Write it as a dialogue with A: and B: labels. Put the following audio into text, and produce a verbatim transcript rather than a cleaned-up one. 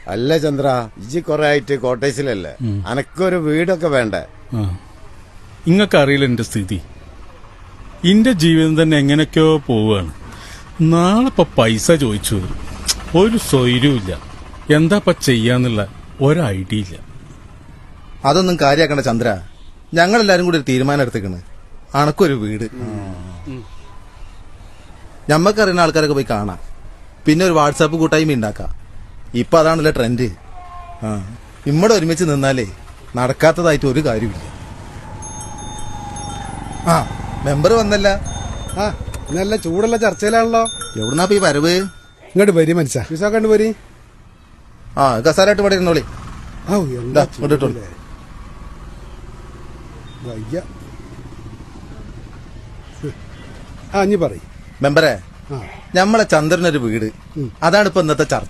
A: അല്ല ചന്ദ്ര, ഇജി കൊറേ ആയിട്ട് കോട്ടേഴ്സിലല്ലേ, അനക്കൊരു വീടൊക്കെ വേണ്ടേ?
B: ഇങ്ങക്ക് അറിയില്ല എന്റെ സ്ഥിതി. എന്റെ ജീവിതം തന്നെ എങ്ങനെയൊക്കെയോ പോവാണ്. നാളെ ഇപ്പൊ പൈസ ചോദിച്ചു വരും, ഒരു സ്വൈര്യമില്ല. എന്താ ഇപ്പൊ ചെയ്യാന്നുള്ള ഒരു ഐഡിയ ഇല്ല.
C: അതൊന്നും കാര്യാക്കണ്ട ചന്ദ്ര, ഞങ്ങളെല്ലാരും കൂടി ഒരു തീരുമാനം എടുത്തേക്കണ്. അണക്കൊരു വീട് ഞമ്മക്കറിയുന്ന ആൾക്കാരൊക്കെ പോയി കാണാം, പിന്നെ ഒരു വാട്സാപ്പ് കൂട്ടായ്മ ഉണ്ടാക്കാം. ഇപ്പൊ അതാണല്ലോ ട്രെൻഡ്. ആ ഇമ്മടെ ഒരുമിച്ച് നിന്നാലേ നടക്കാത്തതായിട്ട് ഒരു കാര്യമില്ല. ആ മെമ്പർ വന്നല്ല.
D: ആ നല്ല ചൂടുള്ള ചർച്ചയിലാണല്ലോ.
C: എവിടുന്നാ ഈ വരവ്?
D: ഇങ്ങോട്ട് വരി മനസ്സാ, വിസ കണ്ടു പോരി.
C: ആ കസാലായിട്ട് ഇവിടെ ഇരുന്നോളി.
D: എന്താ
C: ഇങ്ങോട്ട്
D: വയ്യ. ആ ഇനി പറയും
C: മെമ്പറെ, ഞമ്മളെ ചന്ദ്രനൊരു വീട്, അതാണ് ഇപ്പൊ ഇന്നത്തെ ചർച്ച.